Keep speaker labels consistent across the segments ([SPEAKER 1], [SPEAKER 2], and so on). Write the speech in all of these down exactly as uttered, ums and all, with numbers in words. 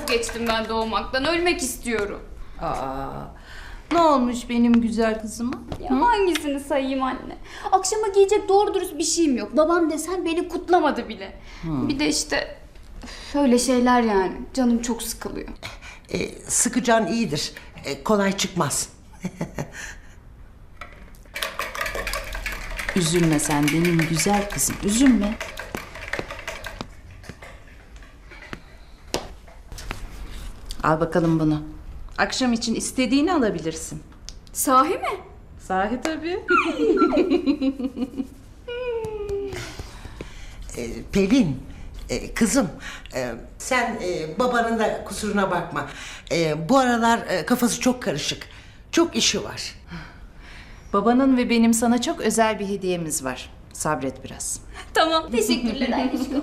[SPEAKER 1] vazgeçtim ben doğmaktan. Ölmek istiyorum.
[SPEAKER 2] Aa, ne olmuş benim güzel kızıma?
[SPEAKER 1] Ya hangisini sayayım anne? Akşama giyecek doğru dürüst bir şeyim yok. Babam desen beni kutlamadı bile. Bir de işte öyle şeyler yani. Canım çok sıkılıyor.
[SPEAKER 3] E, sıkıcan iyidir. E, kolay çıkmaz.
[SPEAKER 2] Üzülme sen benim güzel kızım, üzülme. Al bakalım bunu. Akşam için istediğini alabilirsin.
[SPEAKER 1] Sahi mi?
[SPEAKER 2] Sahi tabii.
[SPEAKER 3] E, Pelin, e, kızım, e, sen e, babanın da kusuruna bakma. E, bu aralar e, kafası çok karışık. Çok işi var.
[SPEAKER 2] Babanın ve benim sana çok özel bir hediyemiz var. Sabret biraz.
[SPEAKER 1] Tamam. Teşekkürler Ayrışko.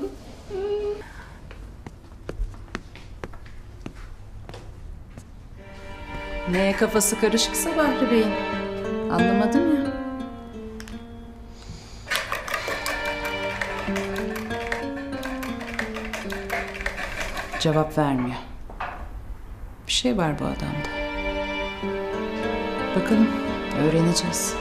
[SPEAKER 2] Neye kafası karışıksa Bahri Bey'in. Anlamadım ya. Cevap vermiyor. Bir şey var bu adamda. Bakalım, öğreneceğiz.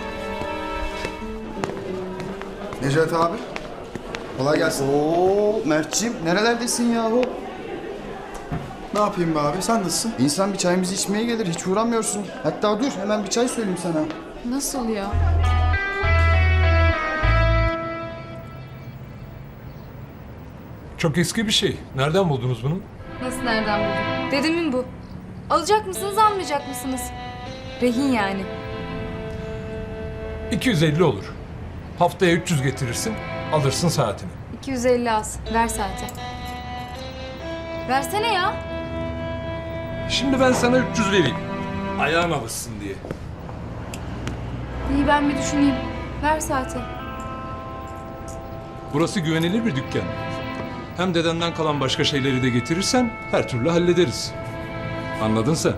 [SPEAKER 4] Necati abi. Kolay gelsin.
[SPEAKER 5] Oo Mert'ciğim nerelerdesin yahu?
[SPEAKER 4] Ne yapayım be abi? Sen nasılsın?
[SPEAKER 5] İnsan bir çayımızı içmeye gelir, hiç uğramıyorsun. Hatta dur, hemen bir çay söyleyeyim sana.
[SPEAKER 6] Nasıl ya?
[SPEAKER 7] Çok eski bir şey. Nereden buldunuz bunu?
[SPEAKER 6] Nasıl nereden buldun? Dedemin bu. Alacak mısınız, almayacak mısınız? Rehin yani.
[SPEAKER 7] iki yüz elli olur. Haftaya üç yüz getirirsin, alırsın saatini.
[SPEAKER 6] iki yüz elli az. Ver saate. Versene ya.
[SPEAKER 7] Şimdi ben sana üç yüz vereyim. Ayağın alışsın diye.
[SPEAKER 6] İyi ben bir düşüneyim. Ver saate.
[SPEAKER 7] Burası güvenilir bir dükkan. Hem dedenden kalan başka şeyleri de getirirsen her türlü hallederiz. Anladın sen?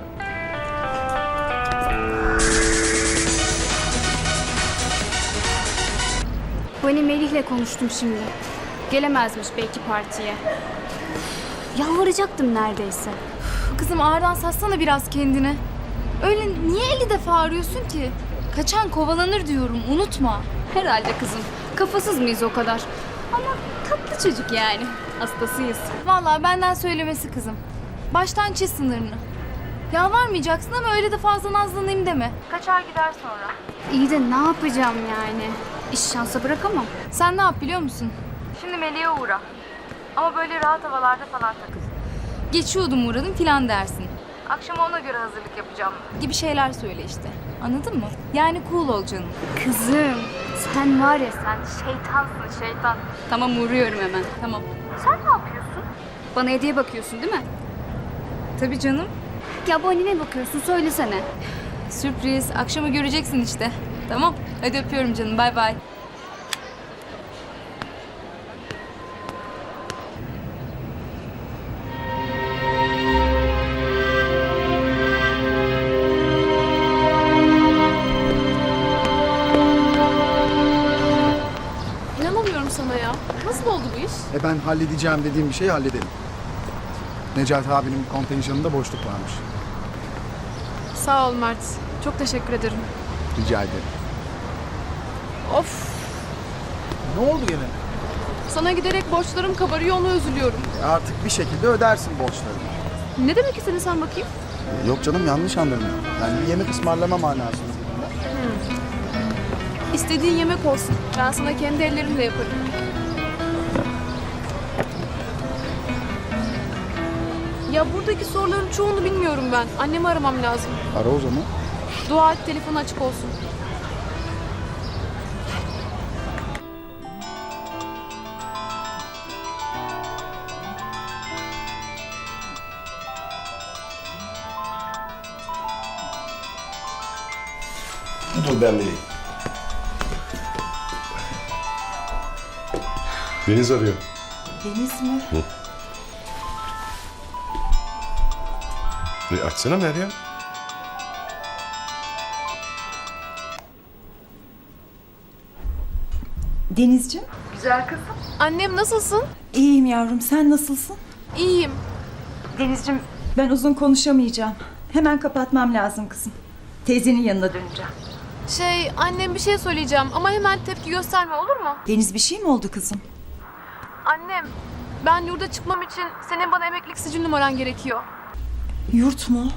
[SPEAKER 1] Hani Melih'le konuştum şimdi. Gelemezmiş belki partiye. Yalvaracaktım neredeyse.
[SPEAKER 6] Kızım ağırdan satsana biraz kendini. Öyle niye elli defa arıyorsun ki? Kaçan kovalanır diyorum, unutma.
[SPEAKER 1] Herhalde kızım. Kafasız mıyız o kadar? Ama tatlı çocuk yani. Hastasıyız.
[SPEAKER 6] Vallahi benden söylemesi kızım. Baştan çiz sınırını. Yalvarmayacaksın ama öyle de fazla nazlanayım deme. Kaçar gider sonra.
[SPEAKER 1] İyi de ne yapacağım yani? İş şansa bırakamam.
[SPEAKER 6] Sen ne yap biliyor musun? Şimdi Melih'e uğra. Ama böyle rahat havalarda falan takıl. Geçiyordum uğradım filan dersin. Akşama ona göre hazırlık yapacağım gibi şeyler söyle işte. Anladın mı? Yani cool ol canım.
[SPEAKER 1] Kızım sen var ya sen şeytansın şeytan. Tamam uğruyorum hemen.
[SPEAKER 6] Tamam.
[SPEAKER 1] Sen ne yapıyorsun? Bana hediye bakıyorsun değil mi?
[SPEAKER 6] Tabii canım.
[SPEAKER 1] Ya bu annene bakıyorsun söylesene.
[SPEAKER 6] Sürpriz. Akşama göreceksin işte. Tamam. Hadi öpüyorum canım. Bay bay.
[SPEAKER 8] İnanamıyorum sana ya. Nasıl oldu bu iş?
[SPEAKER 4] E ben halledeceğim dediğim bir şeyi halledelim. Necati abinin kontenjanında boşluk varmış.
[SPEAKER 8] Sağ ol Mert. Çok teşekkür ederim.
[SPEAKER 4] Rica ederim.
[SPEAKER 8] Of.
[SPEAKER 4] Ne oldu gene?
[SPEAKER 8] Sana giderek borçlarım kabarıyor, ona üzülüyorum.
[SPEAKER 4] E artık bir şekilde ödersin borçlarını.
[SPEAKER 8] Ne demek istedin sen bakayım?
[SPEAKER 4] E yok canım, yanlış anladın. Yani bir yemek ısmarlama manasında.
[SPEAKER 8] İstediğin yemek olsun. Ben sana kendi ellerimle yaparım. Ya buradaki soruların çoğunu bilmiyorum ben. Annemi aramam lazım.
[SPEAKER 4] Ara o zaman.
[SPEAKER 8] Dua et telefonu açık olsun.
[SPEAKER 9] Dur ben vereyim. Deniz arıyor.
[SPEAKER 2] Deniz mi?
[SPEAKER 9] Hı. E açsana Meryem.
[SPEAKER 2] Denizciğim.
[SPEAKER 8] Annem nasılsın?
[SPEAKER 2] İyiyim yavrum, sen nasılsın?
[SPEAKER 8] İyiyim.
[SPEAKER 10] Denizciğim, ben uzun konuşamayacağım. Hemen kapatmam lazım kızım. Teyzenin yanına döneceğim.
[SPEAKER 8] Şey, annem bir şey söyleyeceğim ama hemen tepki gösterme, olur mu?
[SPEAKER 10] Deniz, bir şey mi oldu kızım?
[SPEAKER 8] Annem, ben yurda çıkmam için senin bana emeklilik sicil numaran gerekiyor.
[SPEAKER 10] Yurt mu?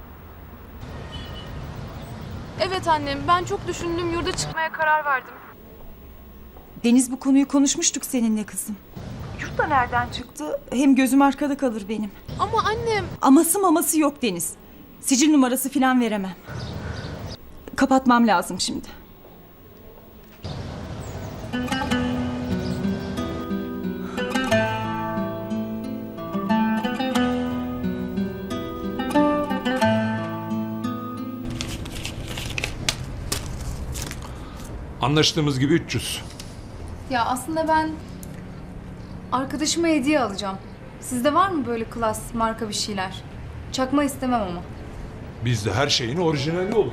[SPEAKER 8] Evet annem, ben çok düşündüm, yurda çıkmaya karar verdim.
[SPEAKER 10] Deniz, bu konuyu konuşmuştuk seninle kızım. Yurt da nereden çıktı? Hem gözüm arkada kalır benim.
[SPEAKER 8] Ama annem...
[SPEAKER 10] Aması maması yok Deniz. Sicil numarası falan veremem. Kapatmam lazım şimdi.
[SPEAKER 7] Anlaştığımız gibi üç yüz.
[SPEAKER 6] Ya aslında ben arkadaşıma hediye alacağım. Sizde var mı böyle klas, marka bir şeyler? Çakma istemem ama.
[SPEAKER 7] Bizde her şeyin orijinali olur.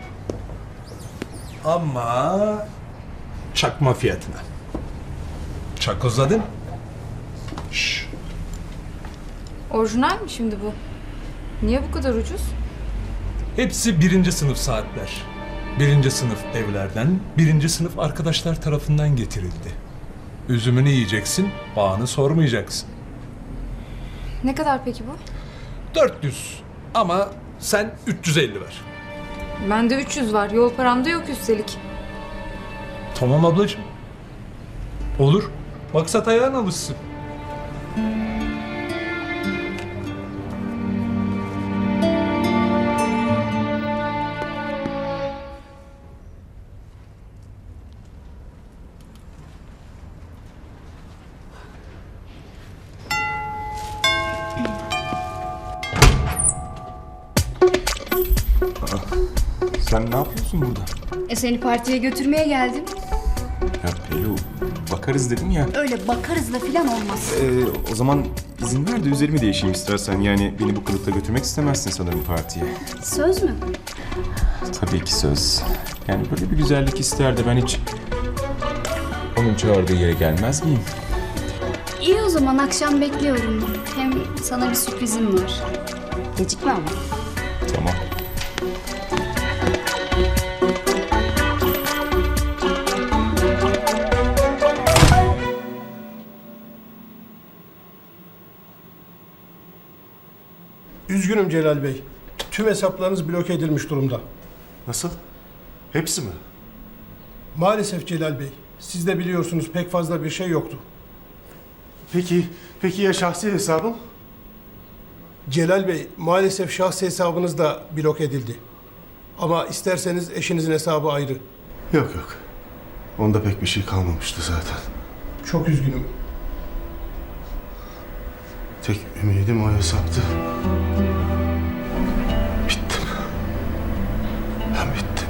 [SPEAKER 7] Ama çakma fiyatına. Çakozladın. Şş.
[SPEAKER 6] Orijinal mi şimdi bu? Niye bu kadar ucuz?
[SPEAKER 7] Hepsi birinci sınıf saatler. Birinci sınıf evlerden, birinci sınıf arkadaşlar tarafından getirildi. Üzümünü yiyeceksin, bağını sormayacaksın.
[SPEAKER 6] Ne kadar peki bu?
[SPEAKER 7] dört yüz ama sen üç yüz elli ver.
[SPEAKER 6] Bende üç yüz var. Yol paramda yok üstelik.
[SPEAKER 7] Tamam ablacığım. Olur. Maksat ayağın alışsın.
[SPEAKER 9] Sen ne yapıyorsun burada?
[SPEAKER 1] E seni partiye götürmeye geldim.
[SPEAKER 9] Ya Pelu, bakarız dedim ya.
[SPEAKER 1] Öyle bakarızla falan olmaz.
[SPEAKER 9] Ee, o zaman izin ver de üzerimi değişeyim istersen. Yani beni bu kılıkta götürmek istemezsin sanırım partiye.
[SPEAKER 1] Söz mü?
[SPEAKER 9] Tabii ki söz. Yani böyle bir güzellik ister de ben hiç... onun çağırdığı yere gelmez miyim?
[SPEAKER 1] İyi o zaman akşam bekliyorum. Hem sana bir sürprizim var. Gecikme ama.
[SPEAKER 9] Tamam.
[SPEAKER 11] Üzgünüm Celal Bey. Tüm hesaplarınız bloke edilmiş durumda.
[SPEAKER 9] Nasıl? Hepsi mi?
[SPEAKER 11] Maalesef Celal Bey. Siz de biliyorsunuz pek fazla bir şey yoktu.
[SPEAKER 9] Peki, peki ya şahsi hesabım?
[SPEAKER 11] Celal Bey, maalesef şahsi hesabınız da bloke edildi. Ama isterseniz eşinizin hesabı ayrı.
[SPEAKER 9] Yok yok. Onda pek bir şey kalmamıştı zaten.
[SPEAKER 11] Çok üzgünüm.
[SPEAKER 9] Tek ümidim o hesaptı. Bittim. Ben bittim.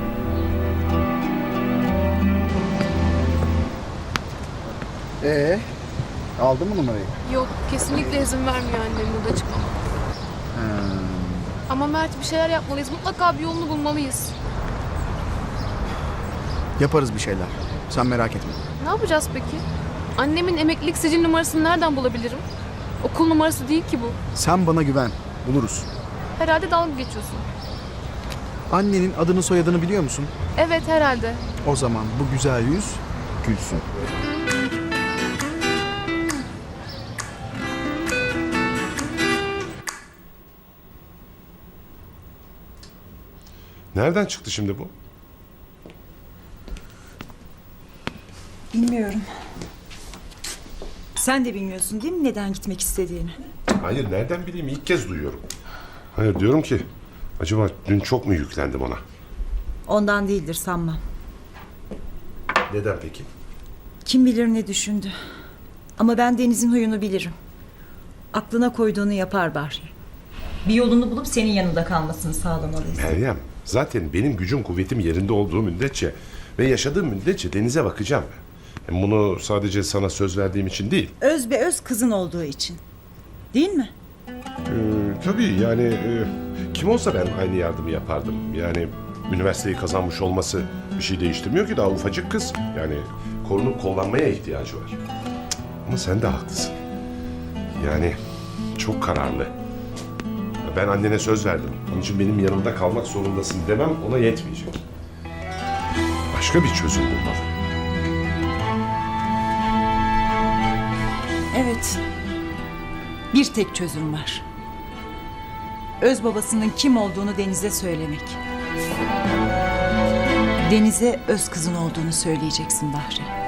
[SPEAKER 4] Ee, aldın mı numarayı?
[SPEAKER 8] Yok, kesinlikle izin vermiyor annem yurda çıkmama. Ama Mert, bir şeyler yapmalıyız. Mutlaka bir yolunu bulmalıyız.
[SPEAKER 4] Yaparız bir şeyler. Sen merak etme.
[SPEAKER 8] Ne yapacağız peki? Annemin emeklilik sicil numarasını nereden bulabilirim? Okul numarası değil ki bu.
[SPEAKER 4] Sen bana güven. Buluruz.
[SPEAKER 8] Herhalde dalga geçiyorsun.
[SPEAKER 4] Annenin adını soyadını biliyor musun?
[SPEAKER 8] Evet, herhalde.
[SPEAKER 4] O zaman bu güzel yüz gülsün.
[SPEAKER 9] Nereden çıktı şimdi bu?
[SPEAKER 10] Bilmiyorum. Sen de bilmiyorsun değil mi neden gitmek istediğini?
[SPEAKER 9] Hayır, nereden bileyim? İlk kez duyuyorum. Hayır, diyorum ki acaba dün çok mu yüklendim ona?
[SPEAKER 10] Ondan değildir sanmam.
[SPEAKER 9] Neden peki?
[SPEAKER 10] Kim bilir ne düşündü. Ama ben Deniz'in huyunu bilirim. Aklına koyduğunu yapar Bahri. Bir yolunu bulup senin yanında kalmasını sağlamalıyız.
[SPEAKER 9] Meryem, zaten benim gücüm kuvvetim yerinde olduğu müddetçe ve yaşadığım müddetçe Deniz'e bakacağım. Hem bunu sadece sana söz verdiğim için değil.
[SPEAKER 10] Öz be öz kızın olduğu için. Değil mi?
[SPEAKER 9] Ee, tabii yani e, kim olsa ben aynı yardımı yapardım. Yani üniversiteyi kazanmış olması bir şey değiştirmiyor ki, daha ufacık kız. Yani korunup kollanmaya ihtiyacı var. Cık, ama sen de haklısın. Yani çok kararlı. Ben annene söz verdim. Onun için benim yanımda kalmak zorundasın demem ona yetmeyecek. Başka bir çözüm bulmalı.
[SPEAKER 10] Evet. Bir tek çözüm var. Öz babasının kim olduğunu Deniz'e söylemek. Deniz'e öz kızın olduğunu söyleyeceksin Bahri.